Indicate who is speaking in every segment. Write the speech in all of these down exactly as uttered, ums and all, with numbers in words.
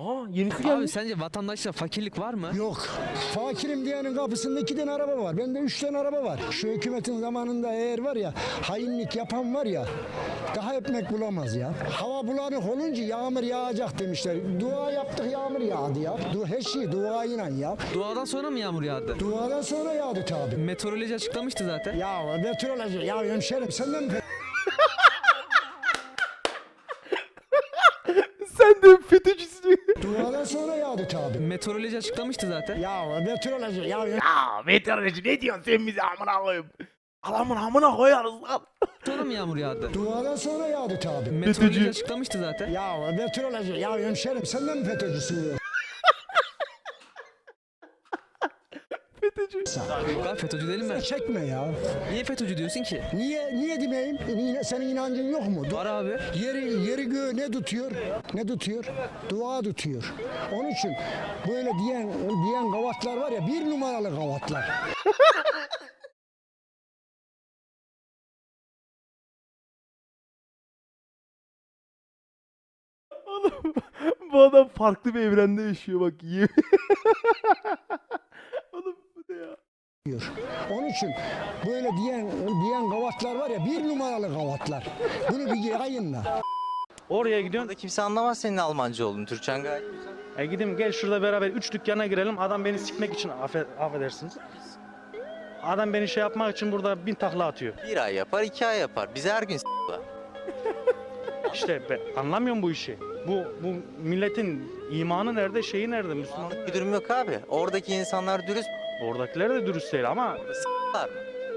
Speaker 1: Aha yenisi
Speaker 2: Abi
Speaker 1: gelmiş.
Speaker 2: sence vatandaşta fakirlik var mı?
Speaker 3: Yok. Fakirim diyenin kapısında iki tane araba var. Bende üç tane araba var. Şu hükümetin zamanında eğer var ya hainlik yapan var ya daha ekmek bulamaz ya. Hava bulanık olunca yağmur yağacak demişler. Dua yaptık yağmur yağdı ya. Du her şey duayla ya.
Speaker 2: Duadan sonra mı yağmur yağdı?
Speaker 3: Duadan sonra yağdı tabi.
Speaker 2: Meteoroloji açıklamıştı zaten.
Speaker 3: Ya meteoroloji ya hemşerim senden mi?
Speaker 1: Sen de FETÖ'cüsün.
Speaker 3: Duadan sonra yağdı tabi.
Speaker 2: Meteoroloji açıklamıştı zaten.
Speaker 3: Ya meteoroloji ya
Speaker 1: Ya meteoroloji ne diyorsun sen bize amına koyayım. Adamın amına koyarız lan.
Speaker 2: Sonra mı yağmur yağdı?
Speaker 3: duadan sonra yağdı tabi.
Speaker 2: Meteoroloji
Speaker 1: FETÖ'cü.
Speaker 2: açıklamıştı zaten.
Speaker 3: Ya meteoroloji ya hemşerim senden mi FETÖ'cüsün ya?
Speaker 1: FETÖ'cü.
Speaker 2: Yok abi FETÖ'cü değilim ben.
Speaker 3: Çekme ya.
Speaker 2: Niye FETÖ'cü diyorsun ki?
Speaker 3: Niye niye demeyeyim? Yine senin inancın yok mu? Du-
Speaker 2: Var abi.
Speaker 3: Yeri yeri göğü ne tutuyor? Ne tutuyor? Dua tutuyor. Onun için böyle diyen diyen gavatlar var ya bir numaralı gavatlar.
Speaker 1: Oğlum bu adam farklı bir evrende yaşıyor bak. Yemin- Oğlum bu ne ya?
Speaker 3: diyor. Onun için böyle diyen diyen gavatlar var ya bir numaralı gavatlar. Bunu bir yayınla.
Speaker 4: Oraya gidiyorsun.
Speaker 5: Burada kimse anlamaz senin Almanca olduğunu. Türkçen gayet güzel.
Speaker 4: E gideyim gel şurada beraber üç dükkana girelim. Adam beni sikmek için affe, affedersiniz. Adam beni şey yapmak için burada bin takla atıyor.
Speaker 5: Bir ay yapar, iki ay yapar. Bize her gün s**lar.
Speaker 4: İşte ben anlamıyorum bu işi. Bu bu milletin imanı nerede, şeyi nerede, Müslüman?
Speaker 5: Anlık bir durum yok abi. Oradaki insanlar dürüst
Speaker 4: Oradakiler de dürüst değil ama
Speaker 5: s**lar mı?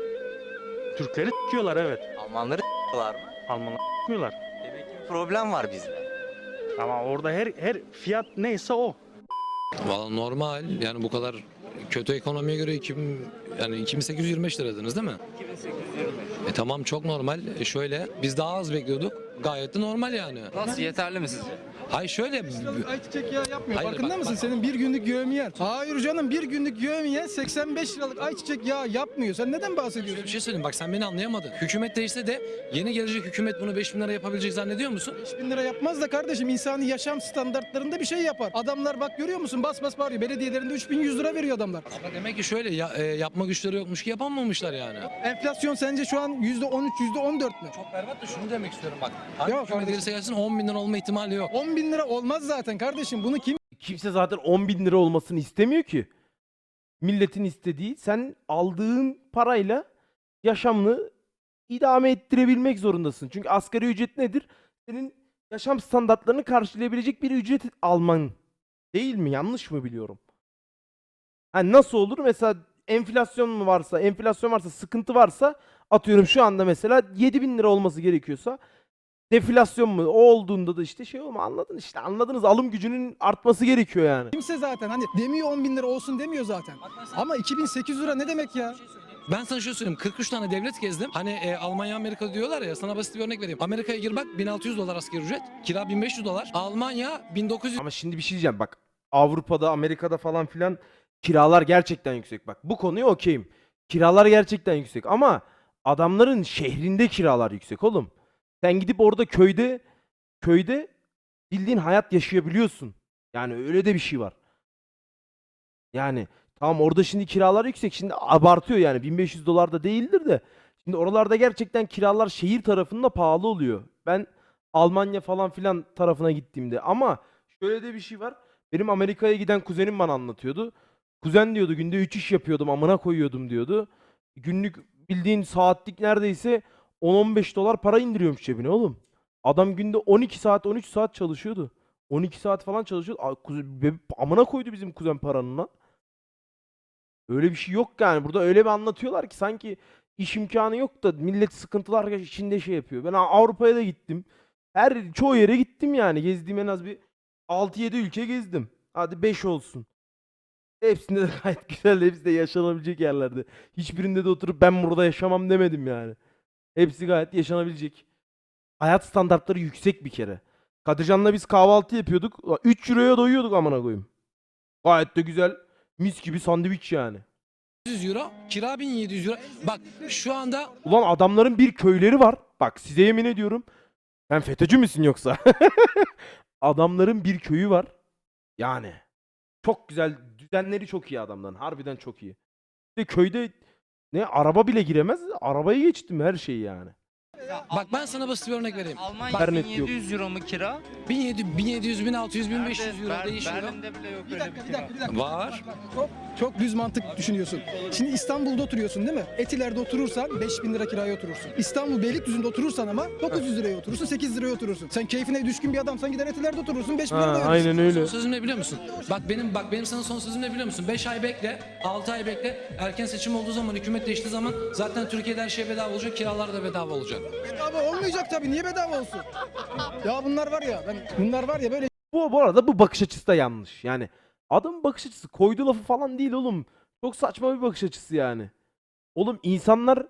Speaker 4: Türkleri s**kiyorlar evet.
Speaker 5: Almanları s**lar mı?
Speaker 4: Almanlar s**miyorlar.
Speaker 5: Demek ki bir problem var bizde.
Speaker 4: Ama orada her her fiyat neyse o.
Speaker 6: Valla normal yani bu kadar kötü ekonomiye göre iki bin, yani iki bin sekiz yüz yirmi beş liradınız değil mi?
Speaker 5: iki bin sekiz yüz yirmi beş.
Speaker 6: E tamam çok normal. E şöyle biz daha az bekliyorduk. Gayet de normal yani.
Speaker 5: Nasıl yeterli mi sizce?
Speaker 6: Hayır şöyle
Speaker 7: Ayçiçek yağı yapmıyor.
Speaker 6: Hayır,
Speaker 7: Farkında
Speaker 6: bak,
Speaker 7: mısın?
Speaker 6: bak.
Speaker 7: Senin bir günlük yövmiyen. Hayır canım bir günlük yövmiyen seksen beş liralık ayçiçek yağı yapmıyor. Sen neden
Speaker 6: şöyle
Speaker 7: bahsediyorsun?
Speaker 6: bir şey söyleyeyim bak sen beni anlayamadın. Hükümet değişse de yeni gelecek hükümet bunu beş bin lira yapabilecek zannediyor musun?
Speaker 7: beş bin lira yapmaz da kardeşim insani yaşam standartlarında bir şey yapar. Adamlar bak görüyor musun bas bas bağırıyor. Belediyelerinde üç bin yüz lira veriyor adamlar.
Speaker 6: Ama demek ki şöyle ya, e, yapma güçleri yokmuş ki yapamamışlar yani.
Speaker 7: Enflasyon sence şu an yüzde on üç yüzde on dört mü?
Speaker 6: Çok berbat da şunu demek istiyorum bak. Hangi
Speaker 7: Yok
Speaker 6: hükümet
Speaker 7: kardeşim.
Speaker 6: gelirse gelsin on bin lira olma ihtimali yok.
Speaker 7: on bin lira olmaz zaten kardeşim. Bunu kim
Speaker 1: Kimse zaten on bin lira olmasını istemiyor ki. Milletin istediği sen aldığın parayla yaşamını idame ettirebilmek zorundasın. Çünkü asgari ücret nedir? Senin yaşam standartlarını karşılayabilecek bir ücret alman. Değil mi? Yanlış mı biliyorum? Hani nasıl olur? Mesela enflasyon mu varsa, enflasyon varsa, sıkıntı varsa atıyorum şu anda mesela yedi bin lira olması gerekiyorsa deflasyon mu? O olduğunda da işte şey olma anladın işte anladınız alım gücünün artması gerekiyor yani.
Speaker 7: kimse zaten hani demiyor on bin lira olsun demiyor zaten. Ama iki bin sekiz yüz lira ne demek ya?
Speaker 6: Ben sana şöyle söyleyeyim kırk üç tane devlet gezdim. Hani e, Almanya Amerika diyorlar ya sana basit bir örnek vereyim. Amerika'ya gir bak bin altı yüz dolar asgari ücret. Kira bin beş yüz dolar. Almanya bin dokuz yüz.
Speaker 1: Ama şimdi bir şey diyeceğim bak Avrupa'da Amerika'da falan filan kiralar gerçekten yüksek bak bu konuya okeyim. Kiralar gerçekten yüksek ama adamların şehrinde kiralar yüksek oğlum. Sen gidip orada köyde köyde bildiğin hayat yaşayabiliyorsun. Yani öyle de bir şey var. Yani tamam orada şimdi kiralar yüksek. Şimdi abartıyor yani bin beş yüz dolar da değildir de. Şimdi oralarda gerçekten kiralar şehir tarafında pahalı oluyor. Ben Almanya falan filan tarafına gittiğimde ama şöyle de bir şey var. Benim Amerika'ya giden kuzenim bana anlatıyordu. Kuzen diyordu günde üç iş yapıyordum amına koyuyordum diyordu. Günlük bildiğin saatlik neredeyse on on beş dolar para indiriyormuş cebine oğlum. Adam günde on iki saat on üç saat çalışıyordu. on iki saat falan çalışıyordu. A- kuze- be- Amına koydu bizim kuzen paranın lan. Öyle bir şey yok yani. Burada öyle bir anlatıyorlar ki sanki iş imkanı yok da millet sıkıntılar içinde şey yapıyor. Ben Avrupa'ya da gittim. Her çoğu yere gittim yani. Gezdiğim en az bir altı yedi ülke gezdim. Hadi beş olsun. Hepsinde de gayet güzel. Hepsi de yaşanabilecek yerlerde. Hiçbirinde de oturup ben burada yaşamam demedim yani. Hepsi gayet yaşanabilecek. Hayat standartları yüksek bir kere. Kadircan'la biz kahvaltı yapıyorduk. üç euroya doyuyorduk amına koyayım. Gayet de güzel. Mis gibi sandviç yani.
Speaker 6: euro. Kira bin yedi yüz euro. Bak şu anda
Speaker 1: Ulan adamların bir köyleri var. Bak size yemin ediyorum. Sen FETÖ'cü müsün yoksa? Adamların bir köyü var. Yani. Çok güzel. Düzenleri çok iyi adamların. Harbiden çok iyi. İşte köyde ne araba bile giremez. Arabayı geçtim her şeyi yani.
Speaker 6: Bak ben sana basit bir örnek vereyim.
Speaker 5: Almanya
Speaker 1: İnternet
Speaker 5: bin
Speaker 1: yok.
Speaker 5: yedi yüz euro mu kira?
Speaker 6: bin yedi yüz, bin yedi yüz, bin altı yüz, bin beş yüz euro
Speaker 5: Ber-
Speaker 6: değişiyor.
Speaker 5: Berlin'de bile yok
Speaker 7: Bir
Speaker 5: öyle
Speaker 7: dakika,
Speaker 5: bir
Speaker 7: bir
Speaker 5: kira.
Speaker 7: dakika, bir dakika.
Speaker 6: Var.
Speaker 7: Çok, çok düz mantık düşünüyorsun. Şimdi İstanbul'da oturuyorsun değil mi? Etiler'de oturursan beş bin lira kiraya oturursun. İstanbul Beylikdüzü'nde oturursan ama dokuz yüz liraya oturursun, sekiz liraya oturursun. Sen keyfine düşkün bir adamsan gider Etiler'de oturursun, beş bin
Speaker 1: Ha,
Speaker 7: lira da verirsin.
Speaker 1: aynen öyle.
Speaker 6: Son sözüm ne biliyor musun? Bak benim bak benim sana son sözüm ne biliyor musun? beş ay bekle, altı ay bekle. Erken seçim olduğu zaman, hükümet değiştiği zaman zaten Türkiye'de her şey bedava olacak, kiralar da bedava olacak.
Speaker 7: Bedava olmayacak tabii. Niye bedava olsun? Ya bunlar var ya, ben bunlar var ya böyle
Speaker 1: Bu, bu arada bu bakış açısı da yanlış. Yani adamın bakış açısı koyduğu lafı falan değil oğlum. Çok saçma bir bakış açısı yani. Oğlum insanlar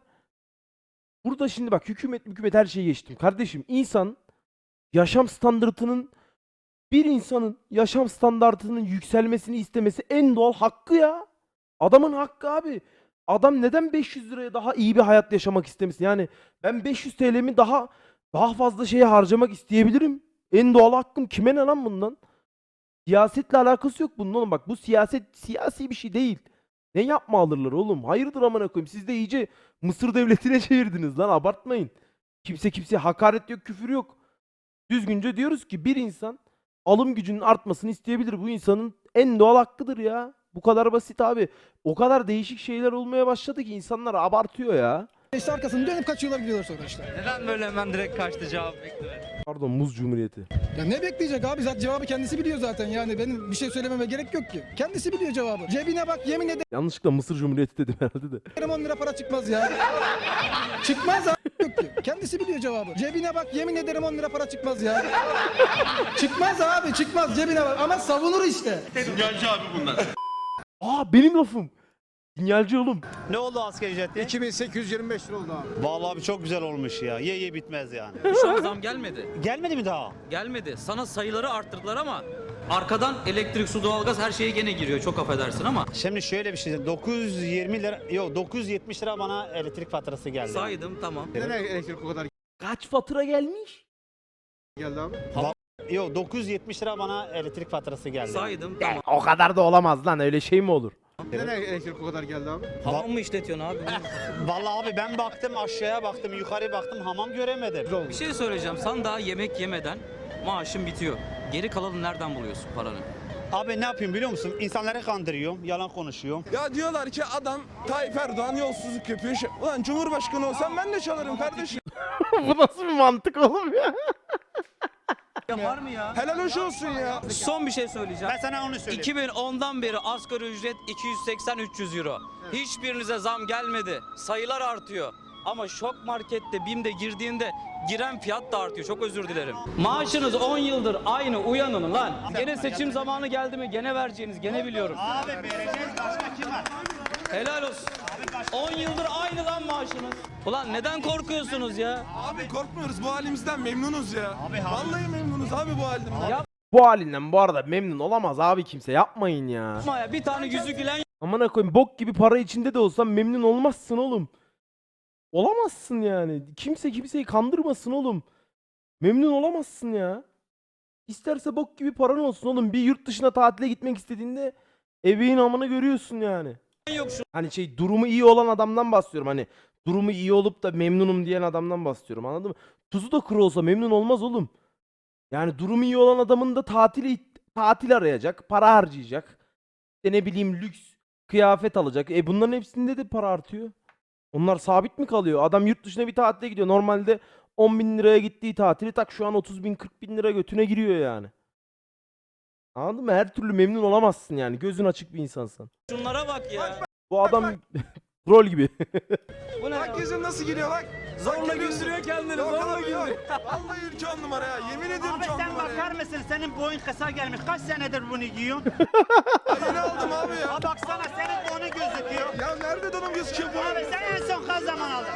Speaker 1: burada şimdi bak hükümet hükümet her şeyi geçtim. Kardeşim insan yaşam standartının bir insanın yaşam standartının yükselmesini istemesi en doğal hakkı ya. Adamın hakkı abi. Adam neden beş yüz liraya daha iyi bir hayat yaşamak istemesin? Yani ben beş yüz T L'mi daha daha fazla şeye harcamak isteyebilirim. En doğal hakkım. Kime ne lan bundan? Siyasetle alakası yok bunun oğlum. Bak bu siyaset siyasi bir şey değil. Ne yapma alırlar oğlum? Hayırdır amına koyayım. Siz de iyice Mısır devletine çevirdiniz lan. Abartmayın. Kimse kimseye hakaret yok, küfür yok. Düzgünce diyoruz ki bir insan alım gücünün artmasını isteyebilir. Bu insanın en doğal hakkıdır ya. Bu kadar basit abi. O kadar değişik şeyler olmaya başladı ki insanlar abartıyor ya.
Speaker 7: işte arkasını dönüp kaçıyorlar gidiyorlar sonra işte.
Speaker 5: Neden böyle hemen direkt kaçtı cevap beklemedi?
Speaker 1: Pardon Muz Cumhuriyeti.
Speaker 7: Ya ne bekleyecek abi? Zaten cevabı kendisi biliyor zaten. Yani benim bir şey söylememe gerek yok ki. Kendisi biliyor cevabı. Cebine bak, yemin
Speaker 1: Yanlışlıkla Mısır Cumhuriyeti dedim herhalde de.
Speaker 7: ederim on lira para çıkmaz ya. Çıkmaz abi, yok ki. Kendisi biliyor cevabı. Cebine bak, yemin ederim on lira para çıkmaz ya. Çıkmaz abi, çıkmaz, cebine bak. Ama savunur işte.
Speaker 1: Aa benim lafım. Sinyalci oğlum.
Speaker 8: Ne oldu asgari ücreti?
Speaker 9: iki bin sekiz yüz yirmi beş lira oldu abi.
Speaker 8: Vallahi abi çok güzel olmuş ya. Ye ye bitmez yani.
Speaker 10: Şu an zam gelmedi.
Speaker 8: Gelmedi mi daha?
Speaker 10: Gelmedi. Sana sayıları arttırdılar ama arkadan elektrik, su, doğalgaz her şeye gene giriyor. Çok affedersin ama.
Speaker 8: Şimdi şöyle bir şey. dokuz yüz yirmi lira, yok dokuz yüz yetmiş lira bana elektrik faturası geldi.
Speaker 10: Saydım tamam.
Speaker 9: Neden elektrik o kadar
Speaker 1: Kaç fatura gelmiş?
Speaker 9: geldi abi?
Speaker 8: Yok dokuz yüz yetmiş lira bana elektrik faturası geldi.
Speaker 10: Saydım tamam.
Speaker 1: O kadar da olamaz lan öyle şey mi olur?
Speaker 9: Neden elektrik o kadar geldi abi?
Speaker 10: Hamam mı işletiyorsun abi?
Speaker 8: Vallahi abi ben baktım aşağıya baktım yukarı baktım hamam göremedim.
Speaker 10: Bir şey söyleyeceğim. Sen daha yemek yemeden maaşın bitiyor. Geri kalanı nereden buluyorsun paranı?
Speaker 8: Abi ne yapayım biliyor musun? İnsanları kandırıyorum, yalan konuşuyorum.
Speaker 11: Ya diyorlar ki adam Tayyip Erdoğan yolsuzluk yapıyor. Şey- Ulan Cumhurbaşkanı olsam ben de çalarım kardeşim.
Speaker 1: Bu nasıl bir mantık oğlum ya?
Speaker 10: Yapar mı ya?
Speaker 11: Helal hoş olsun ya.
Speaker 10: Son bir şey söyleyeceğim.
Speaker 8: Ben sana onu söyleyeyim.
Speaker 10: iki bin ondan beri asgari ücret iki yüz seksen üç yüz euro. Hiçbirinize zam gelmedi. Sayılar artıyor. Ama şok markette BİM'de girdiğinde giren fiyat da artıyor. Çok özür dilerim. Maaşınız on yıldır aynı, uyanın lan. Gene seçim zamanı geldi mi gene vereceğiniz, gene biliyorum.
Speaker 8: Abi vereceğiz başka kim var?
Speaker 10: Helal olsun. on yıldır aynı lan maaşınız. Ulan neden korkuyorsunuz ya?
Speaker 11: Abi korkmuyoruz bu halimizden memnunuz ya.
Speaker 8: Abi,
Speaker 11: Vallahi memnunuz abi bu halimizden.
Speaker 10: Ya
Speaker 1: Bu halinden bu arada memnun olamaz abi kimse yapmayın ya.
Speaker 10: yapma ya, bir tane yüzü gülen
Speaker 1: Amına koyayım bok gibi para içinde de olsan memnun olmazsın oğlum. Olamazsın yani. Kimse kimseyi kandırmasın oğlum. Memnun olamazsın ya. İsterse bok gibi paran olsun oğlum. Bir yurt dışına tatile gitmek istediğinde ebeğin amını görüyorsun yani.
Speaker 10: yok şu.
Speaker 1: Hani şey durumu iyi olan adamdan bahsediyorum. Hani durumu iyi olup da memnunum diyen adamdan bahsediyorum. Anladın mı? Tuzu da kuru olsa memnun olmaz oğlum. Yani durumu iyi olan adamın da tatili tatil arayacak, para harcayacak. İşte ne bileyim lüks kıyafet alacak. E bunların hepsinde de para artıyor. Onlar sabit mi kalıyor? Adam yurt dışına bir tatile gidiyor. Normalde on bin liraya gittiği tatili tak şu an otuz bin kırk bin lira götüne giriyor yani. Anladın mı? Her türlü memnun olamazsın yani. Gözün açık bir insansan.
Speaker 10: Şunlara bak ya.
Speaker 1: Bu adam rol gibi.
Speaker 10: Bu ne ya?
Speaker 11: Bak yüzün nasıl geliyor bak.
Speaker 10: Zorla gösteriyor kendini.
Speaker 11: Yok
Speaker 10: Zorla
Speaker 11: abi yok.
Speaker 10: gösteriyor.
Speaker 11: Vallahi ülke on numara ya. Yemin ediyorum
Speaker 8: Abi
Speaker 11: on
Speaker 8: sen
Speaker 11: numara
Speaker 8: bakar
Speaker 11: ya.
Speaker 8: mısın? Senin boyun kısa gelmiş. Kaç senedir bunu giyiyorsun?
Speaker 11: Yeni aldım abi ya.
Speaker 8: Ha baksana senin boynu gözüküyor.
Speaker 11: Ya nerede donum gözüküyor bu?
Speaker 8: Abi sen en son kaç zaman aldın?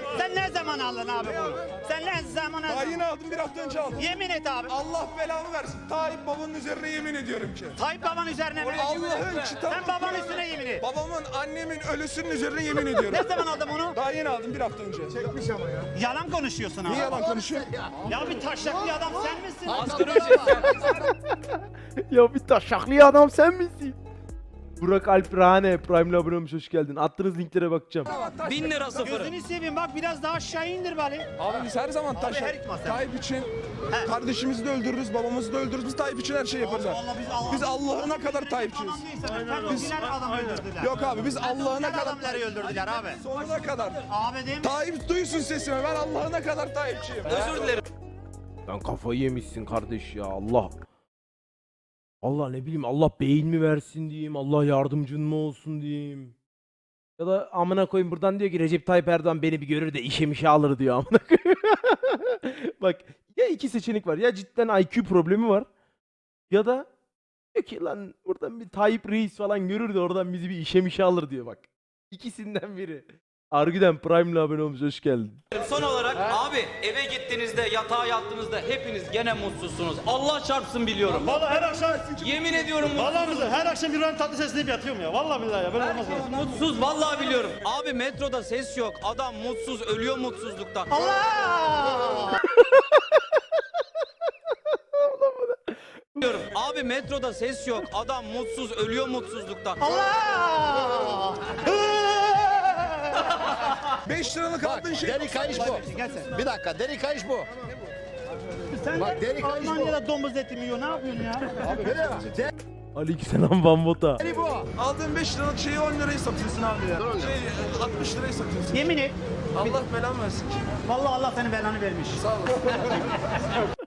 Speaker 8: Sen ne zaman aldın abi bunu? Sen ne zaman
Speaker 11: Daha
Speaker 8: aldın?
Speaker 11: yeni aldım, bir hafta önce aldım.
Speaker 8: Yemin et abi.
Speaker 11: Allah belamı versin. Tayyip babanın üzerine yemin ediyorum ki.
Speaker 8: Tayyip baban üzerine mi?
Speaker 11: Allah'ın kitabı.
Speaker 8: Sen babanın üstüne yemin et.
Speaker 11: Babamın, annemin ölüsünün üzerine yemin ediyorum.
Speaker 8: Ne zaman aldın bunu?
Speaker 11: Daha yeni aldım, bir hafta önce.
Speaker 8: Yalan konuşuyorsun abi.
Speaker 11: Niye yalan konuşuyor?
Speaker 8: Ya bir taşaklı adam sen misin?
Speaker 10: Asgari ücret
Speaker 1: Ya bir taşaklı adam sen misin? Burak Alp Rahane Prime'le abone olmuş, hoş geldin. Attığınız linklere bakacağım.
Speaker 10: bin lira sıfırı.
Speaker 8: Gözünü seveyim bak biraz daha aşağı indir bari.
Speaker 11: Abi biz her zaman
Speaker 8: her
Speaker 11: taşak.
Speaker 8: iki masa.
Speaker 11: Tayyip için kardeşimizi de öldürürüz, babamızı da öldürürüz. Biz Tayyip için her şeyi yaparız abi.
Speaker 8: Allah biz Allah.
Speaker 11: Biz Allah'ına kadar Tayyipçiyiz.
Speaker 8: Biz adam öldürdüler.
Speaker 11: Yok abi biz Allah'ına kadar.
Speaker 8: adamları öldürdüler abi.
Speaker 11: Sonuna kadar.
Speaker 8: Abi değil mi?
Speaker 11: Tayyip duysun sesimi. Ben Allah'ına kadar Tayyipçiyim.
Speaker 10: Özür dilerim.
Speaker 1: Sen kafayı yemişsin kardeş ya, Allah. Allah ne bileyim, Allah beyin mi versin diyeyim, Allah yardımcın mı olsun diyeyim. Ya da amına koyayım buradan diyor ki Recep Tayyip Erdoğan beni bir görür de işe mişe alır diyor amına koyayım. Bak ya iki seçenek var, ya cidden I Q problemi var ya da diyor ki lan buradan bir Tayyip Reis falan görür de oradan bizi bir işe mişe alır diyor bak. İkisinden biri. Argüden Prime'la abone olmuş, hoş geldin.
Speaker 10: Son olarak abi eve gittiğinizde yatağa yattığınızda hepiniz gene mutsuzsunuz. Allah çarpsın biliyorum.
Speaker 4: Vallahi her akşam
Speaker 10: Yemin ediyorum
Speaker 4: Vallahi billahi her akşam bir tatlı sesini yatıyorum ya. Vallahi billahi ya. Böyle olmaz ya.
Speaker 10: mutsuz. Mutsuz vallahi biliyorum. Abi metroda ses yok. Adam mutsuz ölüyor mutsuzluktan. Biliyorum. Abi metroda ses yok. Adam mutsuz ölüyor mutsuzluktan.
Speaker 11: beş liralık aldığın şey.
Speaker 3: Deri kayış bu. Bir dakika deri kayış bu.
Speaker 8: Sen
Speaker 3: Bak, deri
Speaker 8: de
Speaker 3: kayış bu.
Speaker 8: Almanya'da domuz eti mi yiyor? Ne yapıyorsun ya?
Speaker 1: Aleykümselam Van Bota.
Speaker 3: Deri bu.
Speaker 11: Aldığın beş liralık şeyi on liraya satıyorsun abi ya. Şey altmış liraya satıyorsun.
Speaker 8: Yemin et.
Speaker 11: Allah belamı versin.
Speaker 8: Vallahi Allah senin belanı vermiş.
Speaker 11: Sağ olasın.